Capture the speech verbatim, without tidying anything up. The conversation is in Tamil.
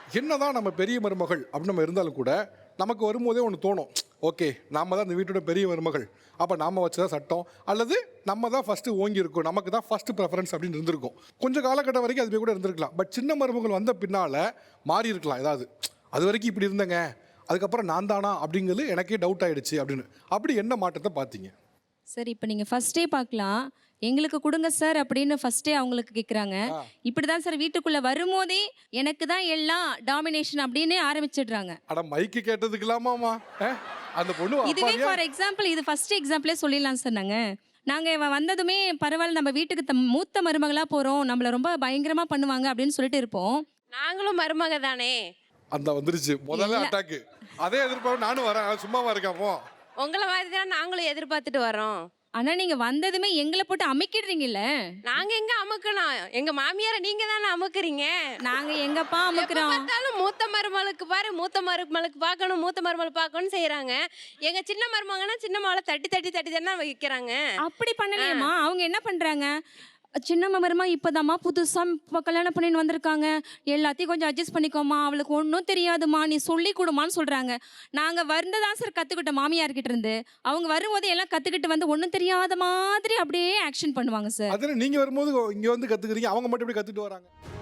என்னதான் நம்ம பெரிய மருமகள் அப்படின்னு நம்ம இருந்தாலும் கூட நமக்கு வரும்போதே ஒன்று தோணும். ஓகே, நாம தான் இந்த வீட்டோட பெரிய மருமகள், அப்போ நாம வச்சதான் சட்டம், அல்லது நம்ம தான் ஃபஸ்ட்டு ஓங்கி இருக்கோம், நமக்கு தான் ஃபஸ்ட்டு ப்ரெஃபரன்ஸ் அப்படின்னு இருந்திருக்கும். கொஞ்சம் காலகட்டம் வரைக்கும் அதுவே கூட இருந்திருக்கலாம். பட் சின்ன மருமகள் வந்த பின்னால் மாறி இருக்கலாம் ஏதாவது. அது வரைக்கும் இப்படி இருந்தேங்க, அதுக்கப்புறம் நான் தானா அப்படிங்கிறது எனக்கே டவுட் ஆகிடுச்சு அப்படின்னு. அப்படி என்ன மாற்றத்தை பார்த்தீங்க? சார் இப்போ நீங்கள் ஃபஸ்ட்டே பார்க்கலாம், எங்களுக்கு கொடுங்க சார் அப்படின்னு ஃபஸ்ட்டே அவங்களுக்கு கேட்குறாங்க. இப்படி தான் சார் வீட்டுக்குள்ளே வரும்போதே எனக்கு தான் எல்லாம் டாமினேஷன் அப்படின்னு ஆரம்பிச்சிடுறாங்க. அட மைக்கு கேட்டதுக்கலாமாமா அந்த பொண்ணு. இதுவே ஃபார் எக்ஸாம்பிள், இது ஃபஸ்ட் எக்ஸாம்பிளே சொல்லிடலாம் சார். நாங்கள் நாங்கள் இவன் வந்ததுமே பரவாயில்ல, நம்ம வீட்டுக்கு த மூத்த மருமகளாக போகிறோம், நம்மளை ரொம்ப பயங்கரமாக பண்ணுவாங்க அப்படின்னு சொல்லிட்டு இருப்போம். நாங்களும் மருமக தானே. அந்த வந்துருச்சு முதல்ல அட்டாக்கு. அதே எதிர்பார்ப்பு நானும் வரேன், சும்மாவா இருக்காமோ? உங்களை மாதிரி தான் நாங்களும் எதிர்பார்த்துட்டு வரோம். ஆனா நீங்க வந்ததுமே எங்களை போட்டு அமுக்கிடுறீங்கல்ல. நாங்க எங்க அமுக்கணும்? எங்க மாமியார நீங்க தானே அமுக்குறீங்க. நாங்க எங்கப்பா அமுக்குறோம்? பார்த்தாலும் மூத்த மருமகளுக்கு பாரு, மூத்த மருமகளுக்கு பார்க்கணும், மூத்த மருமகள் பார்க்கணும்னு செய்யறாங்க. எங்க சின்ன மருமகனா சின்ன மகளை தட்டி தட்டி தட்டி தானே வைக்கிறாங்க. அப்படி பண்ணலையம்மா. அவங்க என்ன பண்றாங்க, சின்ன மருமா இப்போதாம்மா புதுசாக இப்போ கல்யாணம் பண்ணின்னு வந்திருக்காங்க, எல்லாத்தையும் கொஞ்சம் அட்ஜஸ்ட் பண்ணிக்கோமா, அவளுக்கு ஒன்றும் தெரியாதுமா, நீ சொல்லி கொடுமான்னு சொல்கிறாங்க. நாங்கள் வந்ததான் சார் கற்றுக்கிட்டோம் மாமியார்கிட்ட இருந்து. அவங்க வரும்போது எல்லாம் கற்றுக்கிட்டு வந்து ஒன்றும் தெரியாத மாதிரி அப்படியே ஆக்ஷன் பண்ணுவாங்க சார். அதில் நீங்கள் வரும்போது இங்கே வந்து கற்றுக்குறீங்க, அவங்க மட்டும் எப்படி கற்றுட்டு வராங்க?